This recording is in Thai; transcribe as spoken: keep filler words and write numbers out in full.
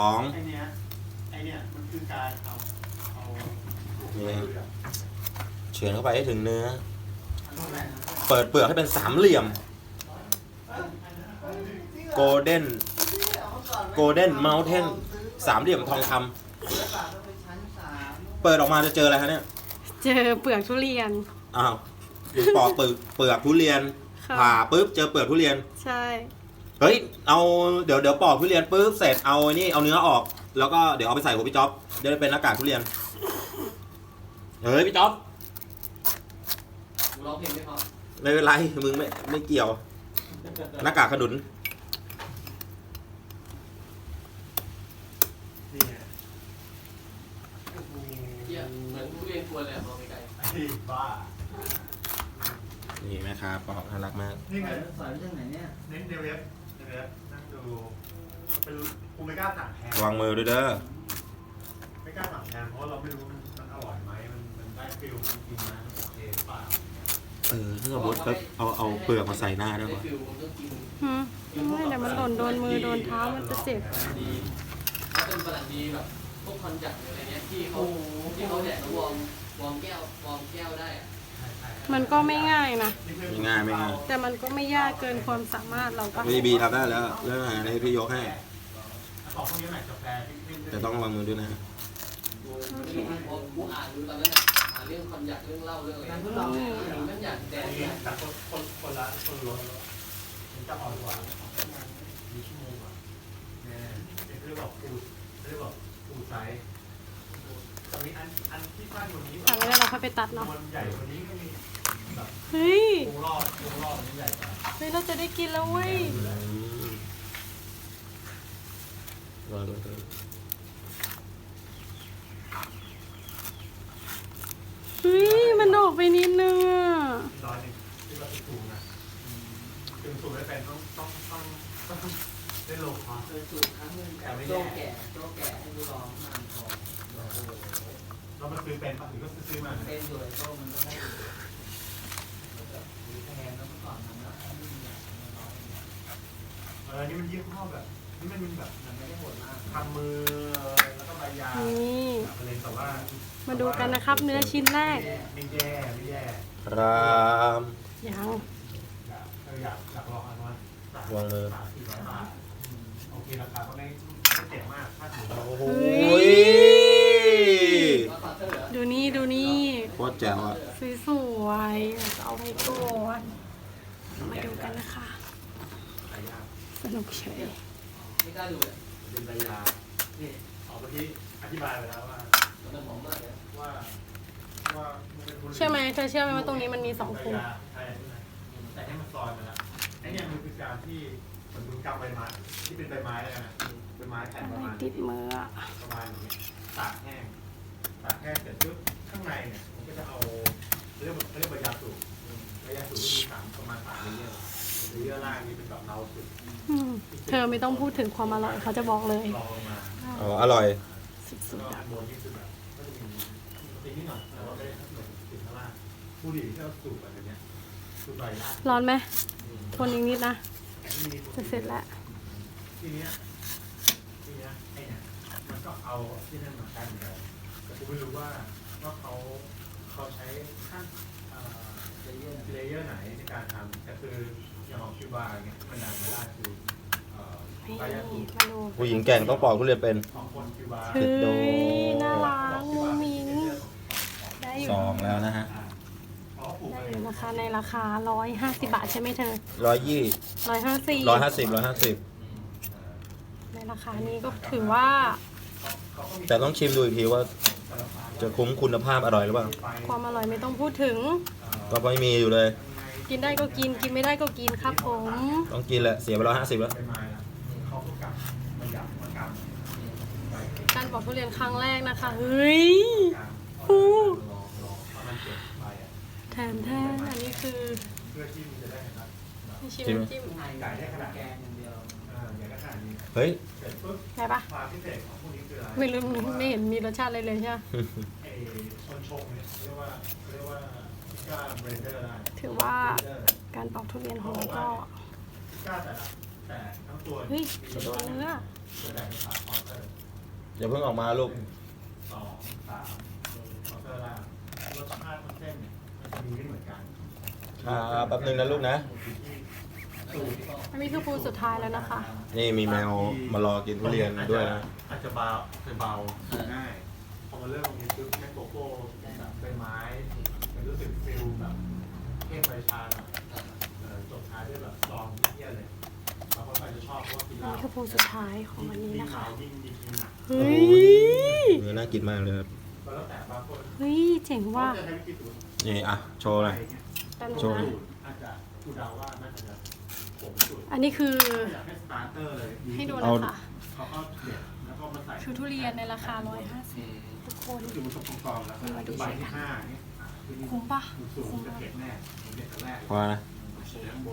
สองไอเนี้ยไอเนี้ยมันคือการเอาเอาเฉือนเข้าไปให้ถึงเนื้อเปิดเปลือกให้เป็นสามเหลี่ยมโกลเด้นโกลเด้นเมลเทนสามเหลี่ยมทองคำเปิดออกมาจะเจออะไรคะเนี่ยเจอเปลือกทุเรียนอ้าวปอกเปลือกเปลือกทุเรียนผ่าปุ๊บเจอเปลือกทุเรียนใช่เฮ้ยเอาเดี๋ยวเดี๋ยวปอกทุเรียนปุ๊บเสร็จเอานี่เอาเนื้อออกแล้วก็เดี๋ยวเอาไปใส่หัวพี่จ๊อบเดี๋ยวเป็นหน้ากากทุเรียนเฮ้ยพี่จ๊อบร้องเพลงไม่พอไม่เป็นไรมึงไม่ไม่เกี่ยวหน้ากากขนุนนี่ไงเหมือนทุเรียนกวนเลยมองไกลๆไอ้บ้านี่แม่ค้าปอกน่ารักมากนี่ไงสอนเรื่องไหนเนี่ยเน้นในเว็บในเว็บนั่งดูเป็นกูไม่กล้าสั่งแพงวางมือด้วยเด้อไม่กล้าสั่งแพงเพราะเราไม่รู้มันมันอร่อยไหมมันมันได้ฟิลมันกินนะมันโอเคหรือเปล่าเออถ้าสมมติเอาเอาเปลือกมาใส่หน้าได้ป่ะหืมไม่แต่มันหล่นโดนมือโดนเท้ามันจะเจ็บเขาเป็นฝรั่งดีแบบพวกคอนจักรอะไรเงี้ยที่เขาที่เขาแดดแล้ววอร์มวอร์มแก้ววอร์มแก้วได้อะมันก็ไม่ง่ายนะไม่ง่ายไม่ง่ายแต่มันก็ไม่ยากเกินความสามารถเราปะพี่บีทำได้แล้วเรื่องอาหารให้พี่ยกให้แต่ต้องวางมือด้วยนะกูอ่านดูตอนนั้นอ่านเรื่องคอนจักรเรื่องเล่าเรื่องอะไรนั่นอย่างแดดแต่คนคนคนละคนละมันจะอ่อนกว่ามีชั่วโมงกว่าเนี่ยเรียกว่าปูเรียกว่าปูไซส์จะมีอันอันที่สั้นกว่านี้แต่ไม่ได้เราค่อยไปตัดเนาะใหญ่กว่านี้ก็มีแบบเฮ้ยปูรอดปูรอดมันใหญ่กว่าเฮ้ยเราจะได้กินแล้วเว้ยรอรอรอเฮ้ยมันออกไปนิดนึงอ่ะร้อยหนึ่งที่เราสูงนะถึงสูงไม่เป็นต้องต้องต้องต้องได้โลคอสสูงครั้งนึงแต่ไม่โจ้แก่โจ้แก่ให้ดูลองนานพอเรามาซื้อเป็นปะหรือก็ซื้อมาเป็นอยู่โจ้มันก็ได้แพงแล้วเมื่อก่อนมันแล้วเออนี่มันยี่ห้อแบบนี่มันมันแบบมันไม่ได้โหดมากทำมือแล้วก็ใบยาอะไรแต่ว่ามาดูกันนะครับเนื้อชิ้นแรกไม่แย่ไม่แย่รามยังอยากอยากอยากลองอันนั้นวางมือโอเคราคาก็ไม่ไม่เจ็บมากถ้าถือเราโอ้โหดูนี่ดูนี่โคตรแจ๋วอ่ะสวยๆเอาไปก่อนมาดูกันนะคะสนุกเฉยไม่กล้าดูเลยเป็นใบยานี่ออกเมื่อกี้อธิบายไปแล้วว่ามันหอมมากเลยว่าว่าเชื่อไหมเธอเชื่อไหมว่าตรงนี้มันมีสองภูใช่แต่ให้มันซอยมาแล้วไอ้เนี่ยมันคือการที่เหมือนมึงกำใบไม้ที่เป็นใบไม้แล้วกันนะใบไม้แผ่นประมาณติดมือประมาณนี้ตากแห้งตากแห้งเสร็จปุ๊บข้างในเนี่ยผมก็จะเอาเรียกว่าเรียกว่ายาสูบยาสูบที่มีสามประมาณสามเลเยอร์เลเยอร์ล่างนี่เป็นแบบเทาสุดเธอไม่ต้องพูดถึงความอร่อยเขาจะบอกเลยอ๋ออร่อยสุดๆอะร้อนไหมทนอีกนิดนะจะเสร็จแล้วทีนี้ทีนี้ไอ้เนี่ยมันก็เอาที่นั่นมากันเลยแต่กูไม่รู้ว่าว่าเขาเขาใช้ขั้นเลเยอร์ไหนในการทำแต่คืออย่างของคิวบาร์เนี่ยมันดังไม่ได้คือผู้หญิงแก่งต้องปอกทุเรียนเป็นเฮ้ยน่ารักมุ้งมิ้งได้อยู่สองแล้วนะฮะได้อยู่นะคะในราคาร้อยห้าสิบบาทใช่ไหมเธอร้อยยี่ร้อยห้าสิบร้อยห้าสิบร้อยห้าสิบในราคานี้ก็ถือว่าแต่ต้องชิมดูอีกทีว่าจะคุ้มคุณภาพอร่อยหรือเปล่าความอร่อยไม่ต้องพูดถึงก็ไม่มีอยู่เลยกินได้ก็กินกินไม่ได้ก็กินครับผมต้องกินแหละเสียไปร้อยห้าสิบแล้วการปอกทุเรียนครั้งแรกนะคะเฮ้ยฟูแทนแทนอันนี้คือชิมจิ้มเฮ้ยใช่ปะไม่รู้ไม่เห็นมีรสชาติอะไรเลยใช่ไหมถือว่าการปอกทุเรียนของเราก็เฮ้ยโดนเนื้ออย่าเพิ่งออกมาลูกสองสามเคาน์เตอร์ล่างรสชาติของเส้นเนี่ยมันจะมีไม่เหมือนกันครับแป๊บนึงนะลูกนะอันนี้คือปูสุดท้ายแล้วนะคะนี่มีแมวมารอกินทุเรียนด้วยนะอาจจะเบาจะเบาง่ายพอมาเริ่มตรงนี้ปุ๊บแค่โกโก้แบบใบไม้มันรู้สึกฟิลแบบเข้มใบชาแบบเออจบท้ายด้วยแบบซองเยี่ยเลยบางคนอาจจะชอบเพราะว่ากินเหอันล้านี้คือปูสุดท้ายของวันนี้นะคะยิ่งยิ่งยิ่งหนักเฮ้ยเนื้อน่ากินมากเลยครับแล้วแต่บางคนเฮ้ย เจ๋งว่ะจะใช้วิธีสูตรนี่อ่ะโชว์หน่อยแต่หนูโชว์นะอาจจะกูเดาว่าน่าจะผมสูตรอันนี้คืออยากให้สตาร์เตอร์เลยให้ดูเอานะคะเขาก็เด็ดแล้วก็มาใส่คือทุเรียนในราคาร้อยห้าสิบทุกคนก็คือมันต้องกรองแล้วก็ใบที่ห้าเนี่ยคุ้มปะสูงจะเผ็ดแน่ผมเด็ดแต่แรกพอนะโอเคข้างบน